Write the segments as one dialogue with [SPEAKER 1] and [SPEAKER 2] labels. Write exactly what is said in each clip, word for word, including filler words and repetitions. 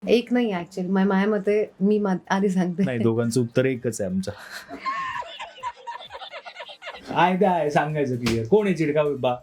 [SPEAKER 1] एक नाही ऍक्च्युअली माझ्या मते मी मा- आधी सांगते.
[SPEAKER 2] नाही, दोघांचं उत्तर एकच आहे आमचं. काय काय सांगायचं क्लिअर, कोण आहे चिडका बिब्बा?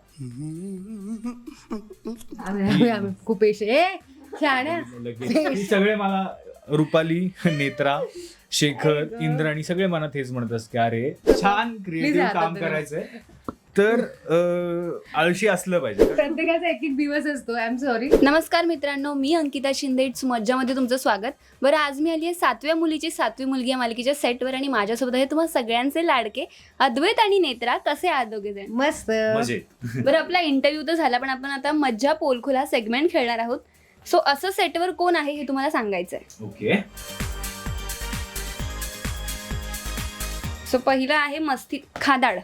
[SPEAKER 1] आम्ही- आम्ही- आम्ही खूप पेश ए शाण्या
[SPEAKER 2] लगेच सगळे मला रुपाली, नेत्रा, शेखर, इंद्राणी सगळे मला तेच म्हणतात की अरे छान क्रिएटिव्ह
[SPEAKER 1] आता
[SPEAKER 2] काम
[SPEAKER 1] तुम्ही.
[SPEAKER 2] करायचंय, तर अं, आळशी असलं पाहिजे.
[SPEAKER 1] प्रत्येकाचा एक एक दिवस असतो. I am sorry.
[SPEAKER 3] नमस्कार मित्रांनो, मी अंकिता शिंदे. इट्स मज्जामध्ये तुमचं स्वागत. बरं, आज मी आली आहे सातव्या मुलीची सातवी मुलगी या मालिकेच्या सेटवर आणि माझ्यासोबत आहे तुम्हा सगळ्यांचे लाडके अद्वैत आणि नेत्रा. कसे आहात दोघे जण?
[SPEAKER 1] मस्त.
[SPEAKER 2] मजेत.
[SPEAKER 3] बरं, आपला इंटरव्ह्यू तर झाला, पण आपण आता मज्जा पोलखोल हा सेगमेंट खेळणार आहोत. सो असं सेटवर कोण आहे हे तुम्हाला सांगायचं आहे.
[SPEAKER 2] ओके.
[SPEAKER 3] सो पहिलं आहे मस्ती खादाड.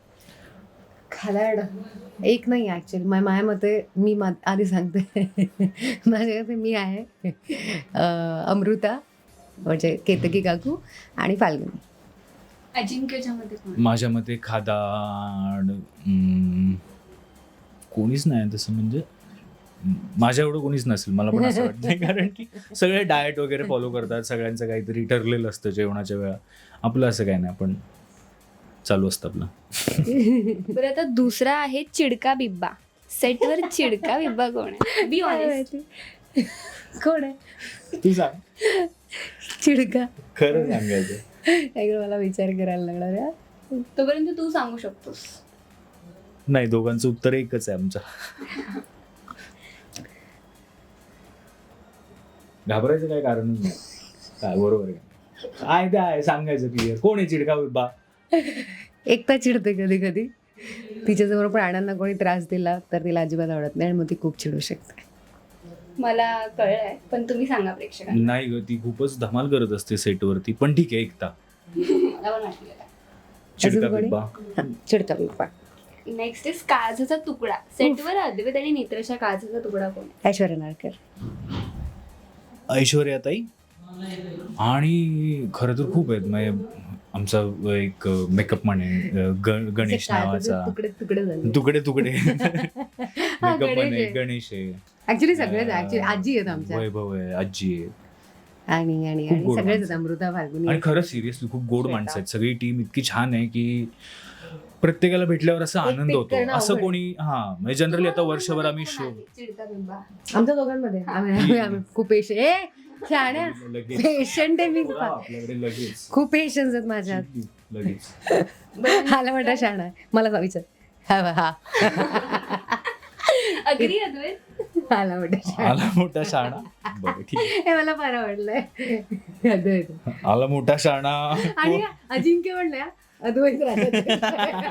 [SPEAKER 1] खालाड एक नाही ऍक्च्युअली माझ्या मते मी मा- आधी सांगते. माझ्या मते मी आहे अं, अमृता म्हणजे केतकी काकू आणि फाल्गुनी.
[SPEAKER 3] अजिंक्यच्या मध्ये कोण?
[SPEAKER 2] माझ्या मते खादाड हम्म, कोणीच नाही तसं, म्हणजे माझ्या एवढं कोणीच नसेल मला पण असं वाटतं. कारण की सगळे डाएट वगैरे फॉलो करतात, सगळ्यांचं काहीतरी ठरलेलं असतं जेवणाच्या वेळा. आपलं असं काही नाही, आपण चालू असतं आपलं.
[SPEAKER 3] बरं, आता दुसरा आहे चिडका बिब्बा. सेटवर चिडका बिब्बा कोण आहे? Be honest.
[SPEAKER 1] कोण आहे
[SPEAKER 2] तू सांग,
[SPEAKER 1] चिडका?
[SPEAKER 2] खरं सांगायचं.
[SPEAKER 1] एकदा मला विचार करायला लागणार आहे.
[SPEAKER 3] तोपर्यंत तू सांगू शकतोस.
[SPEAKER 2] नाही, दोघांचं उत्तर एकच आहे आमचं. घाबरायचं काय कारणच नाही. काय बरोबर आहे. काय काय सांगायचं क्लिअर, कोण आहे चिडका बिब्बा?
[SPEAKER 1] एकटा चिडते कधी कधी. तिच्याजवळ प्राण्यांना कोणी त्रास दिला तर तिला अजिबात आवडत नाही आणि मग ती खूप चिडू शकते.
[SPEAKER 3] मला कळलंय, पण तुम्ही सांगा प्रेक्षकांना.
[SPEAKER 2] नाही ग, ती खूपच धमाल करत असते सेटवरती, पण ठीक आहे एकता.
[SPEAKER 3] मला पण वाटलेलं.
[SPEAKER 2] चिडका
[SPEAKER 1] कोणी?
[SPEAKER 2] बिब्बा.
[SPEAKER 1] हा, चिडका बिब्बा.
[SPEAKER 3] नेक्स्ट इज काळजाचा तुकडा. सेटवर अद्वैत आणि नेत्राच्या काळजाचा तुकडा कोण आहे?
[SPEAKER 1] ऐश्वर्या नारकर.
[SPEAKER 2] ऐश्वर्याताई. आणि खरं तर खूप आहेत. म्हणजे आमचा एक मेकअप म्हणे ग- गणेश नावाचा.
[SPEAKER 1] तुकडे तुकडे झाले.
[SPEAKER 2] तुकडे तुकडे मेकअप
[SPEAKER 1] गणेश
[SPEAKER 2] म्हणे
[SPEAKER 1] आहे.
[SPEAKER 2] गणेश आहे.
[SPEAKER 1] ऍक्च्युली सगळेच ऍक्च्युली आजी आहेत आमच्या.
[SPEAKER 2] वैभव आहे, आजी आहे.
[SPEAKER 1] आणि आणि
[SPEAKER 2] खूप
[SPEAKER 1] आणि
[SPEAKER 2] गोड
[SPEAKER 1] सगळेच
[SPEAKER 2] माणसं.
[SPEAKER 1] आहेत. अमृता फाल्गुनी.
[SPEAKER 2] आणि खरं सिरियसली खूप गोड माणसं आहेत. सगळी टीम इतकी छान आहे की प्रत्येकाला भेटल्यावर असा
[SPEAKER 1] एक
[SPEAKER 2] आनंद
[SPEAKER 1] pick
[SPEAKER 2] होतो.
[SPEAKER 1] करणं
[SPEAKER 2] असं
[SPEAKER 1] अवघड
[SPEAKER 2] कोणी हा म्हणजे जनरली आता वर्षभर आम्ही शो
[SPEAKER 3] चिडका बिंबा.
[SPEAKER 1] आमच्या दोघांमध्ये आम्ही आम्ही- आम्ही खूप पेशंट ए शाण्या
[SPEAKER 2] लगेच
[SPEAKER 1] पेशंट आहे मी.
[SPEAKER 2] आपल्याकडे लगेच
[SPEAKER 1] खूप पेशन्स आहेत माझ्यात.
[SPEAKER 2] लगेच
[SPEAKER 1] आला मोठा शाणा आहे. मला विचार. हा हा
[SPEAKER 3] अग्री अद्वैत.
[SPEAKER 1] आला मोठा शाणा.
[SPEAKER 2] आला मोठा शाणा. बरं ठीक आहे.
[SPEAKER 1] हे मला फार आवडलंय. अद्वैत.
[SPEAKER 2] आला मोठा शाणा.
[SPEAKER 1] आणि अजिंक्य म्हणलं अद्वैत राहतात.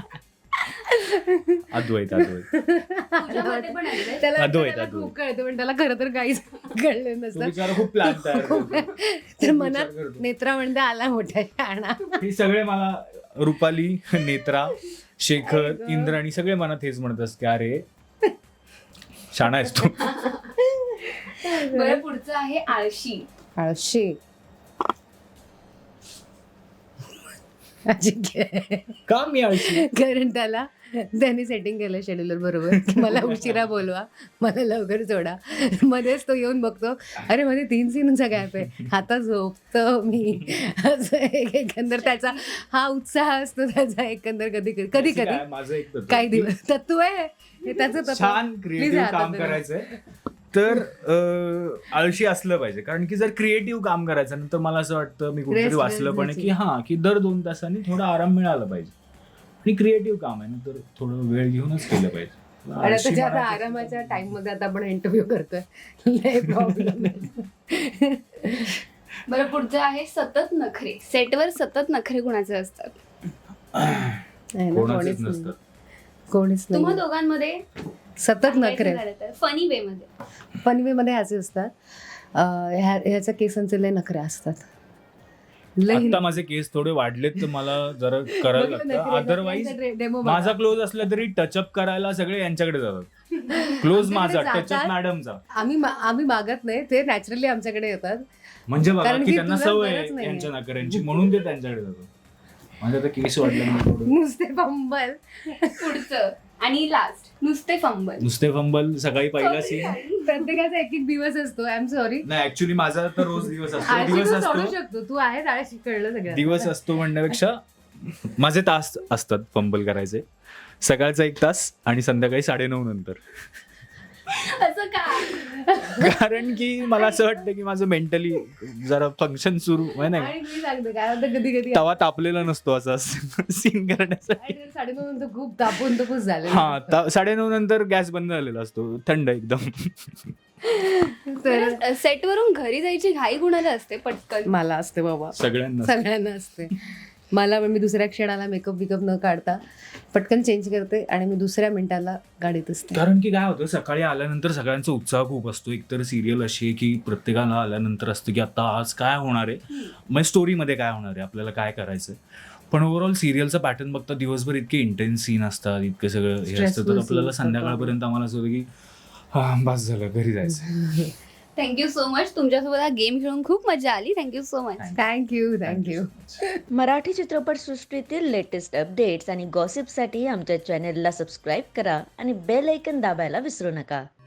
[SPEAKER 2] अद्वैत अद्वैत
[SPEAKER 3] तुझ्यामध्ये पण अद्वैत.
[SPEAKER 1] त्याला
[SPEAKER 2] अद्वैत,
[SPEAKER 1] त्याला
[SPEAKER 2] अद्वैत.
[SPEAKER 1] खूप कळतं पण त्याला खरं तर काहीच कळलं
[SPEAKER 2] तो
[SPEAKER 1] नसतं.
[SPEAKER 2] बिचारा खूप प्लॅन तयार करतो.
[SPEAKER 1] तर मनात
[SPEAKER 2] विचार करतो.
[SPEAKER 1] नेत्रा म्हणते आला मोठा शाणा.
[SPEAKER 2] हे सगळे मला रुपाली, नेत्रा, शेखर, इंद्राणी सगळे मला तेच म्हणतात की अरे शाणा आहेस तू.
[SPEAKER 3] बरं, पुढचं आहे आळशी.
[SPEAKER 1] आळशी. अजिंक्य.
[SPEAKER 2] का मी आळशी?
[SPEAKER 1] कारण त्याला त्यांनी सेटिंग केलं शेड्युलर बरोबर की मला उशिरा बोलवा, मला लवकर सोडा. मध्येच तो येऊन बघतो, अरे मध्ये तीन सीनचा गॅप आहे, आता झोपतो मी. असं एक- एकंदर त्याचा हा उत्साह असतो त्याचा एकंदर. कधी कधी कधी
[SPEAKER 2] त्याचं
[SPEAKER 1] कधी
[SPEAKER 2] काय, माझं एक तत्व.
[SPEAKER 1] काही दिवस तत्व आहे हे त्याचं तत्व.
[SPEAKER 2] छान
[SPEAKER 1] Please
[SPEAKER 2] क्रिएटिव्ह
[SPEAKER 1] आता
[SPEAKER 2] काम
[SPEAKER 1] तुम्ही.
[SPEAKER 2] करायचंय, तर अं, आळशी असलं पाहिजे. कारण की जर क्रिएटिव्ह काम करायचं नंतर मला असं वाटतं, मी कुठेतरी
[SPEAKER 1] Rest,
[SPEAKER 2] वाचलं
[SPEAKER 1] rest
[SPEAKER 2] पण
[SPEAKER 1] घ्यायची.
[SPEAKER 2] की हा की दर दोन तासांनी थोडा आराम मिळाला पाहिजे. आणि क्रिएटिव्ह काम आहे ना, तर थोडं वेळ घेऊनच केलं पाहिजे.
[SPEAKER 1] आणि आता
[SPEAKER 2] आळशी
[SPEAKER 1] त्याच्या आता
[SPEAKER 2] म्हणायचं-
[SPEAKER 1] आरामाच्या टाइम मध्ये आता आपण इंटरव्ह्यू करतोय. लय प्रॉब्लेम.
[SPEAKER 3] बरं, पुढचं आहे सतत नखरे. सेटवर सतत नखरे कुणाचे असतात?
[SPEAKER 2] कोणाचेच नसतं.
[SPEAKER 1] कोणीच
[SPEAKER 3] तुम्हा
[SPEAKER 1] नाही.
[SPEAKER 3] दोघांमध्ये
[SPEAKER 1] सतत नखरे
[SPEAKER 3] फनी वे मध्ये.
[SPEAKER 1] पनवे मध्ये असे असतात. अं, ह्या- ह्याच्या केसांचे लय नखरे असतात. लय
[SPEAKER 2] आता माझे केस थोडे वाढलेत तर मला जरा करायला लागतं. अदरवाईज
[SPEAKER 1] डेमो
[SPEAKER 2] माझा क्लोज असला तरी टचअप करायला सगळे यांच्याकडे जातात. क्लोज माझा,
[SPEAKER 1] आमच्याकडे
[SPEAKER 2] टचअप
[SPEAKER 1] जातात.
[SPEAKER 2] मॅडमचा.
[SPEAKER 1] आम्ही मा- आम्ही मागत नाही, ते नॅचरली आमच्याकडे येतात.
[SPEAKER 2] म्हणजे बघा
[SPEAKER 1] कारण
[SPEAKER 2] की
[SPEAKER 1] की
[SPEAKER 2] त्यांना
[SPEAKER 1] तुला
[SPEAKER 2] सवय
[SPEAKER 1] गरज
[SPEAKER 2] आहे
[SPEAKER 1] नाहीये.
[SPEAKER 2] यांच्या नाकऱ्यांची, म्हणून ते त्यांच्याकडे जातात. माझ्या आता केस वाढल्यामुळे थोडं
[SPEAKER 1] नुसते पंबल.
[SPEAKER 3] पुढचं आणि लास्ट नुसते फंबल.
[SPEAKER 2] नुसते फंबल सकाळी पहिला सीन.
[SPEAKER 1] प्रत्येकाचा एक एक दिवस असतो. I am sorry.
[SPEAKER 2] नाही ऍक्च्युली माझा तर रोज दिवस असतो.
[SPEAKER 1] आळशी
[SPEAKER 2] दिवस
[SPEAKER 1] तू सोडू
[SPEAKER 2] असतो
[SPEAKER 1] शकतो. तू आहेस आळशी, कळलं सगळं.
[SPEAKER 2] दिवस असतो म्हणण्यापेक्षा माझे तास असतात फंबल करायचे. सकाळचा एक तास आणि संध्याकाळी साडेनऊ नंतर.
[SPEAKER 3] असं का?
[SPEAKER 2] कारण की मला असं वाटतं की माझं मेंटली जरा फंक्शन सुरू आहे नाही
[SPEAKER 1] आणि मी सांगते काय होतं कधी कधी
[SPEAKER 2] तवा तापलेला नसतो असा सीन करण्यासाठी.
[SPEAKER 1] साडेनऊ नंतर खूप तापून तपूस झाले.
[SPEAKER 2] हा ता- साडेनऊ नंतर गॅस बंद झालेला असतो, थंड एकदम.
[SPEAKER 1] तर
[SPEAKER 3] सेटवरून घरी जायची घाई कुणाला असते पटकन?
[SPEAKER 1] मला असते बाबा,
[SPEAKER 2] सगळ्यांना
[SPEAKER 1] सगळ्यांना असते. मला मी दुसऱ्या क्षणाला मेकअप बिकअप न काढता पटकन चेंज करते आणि मी दुसऱ्या मिनिटाला गाडीत असते.
[SPEAKER 2] कारण की काय होतं, सकाळी आल्यानंतर सगळ्यांचा उत्साह खूप असतो. एकतर सिरियल अशी आहे की प्रत्येकाला आल्यानंतर असतं की आता आज काय होणार आहे, मग स्टोरीमध्ये काय होणार आहे, आपल्याला काय करायचं. पण ओव्हरऑल सिरियलचा पॅटर्न बघता दिवसभर इतके इंटेन्स सीन असतात, इतकं सगळं हे असतं,
[SPEAKER 1] Stressful
[SPEAKER 2] तर आपल्याला
[SPEAKER 1] scenes
[SPEAKER 2] संध्याकाळपर्यंत आम्हाला असं होतं की हा बस झालं, घरी जायचं.
[SPEAKER 3] Thank you so much. तुमच्यासोबत हा गेम खेळून खूप मजा आली. Thank you so much.
[SPEAKER 1] Thank you thank you.
[SPEAKER 4] Marathi चित्रपटसृष्टीतील लेटेस्ट अपडेट्स आणि गॉसिपसाठी आमच्या चॅनेलला सबस्क्राईब करा आणि बेल ऐकन दाबायला विसरू नका.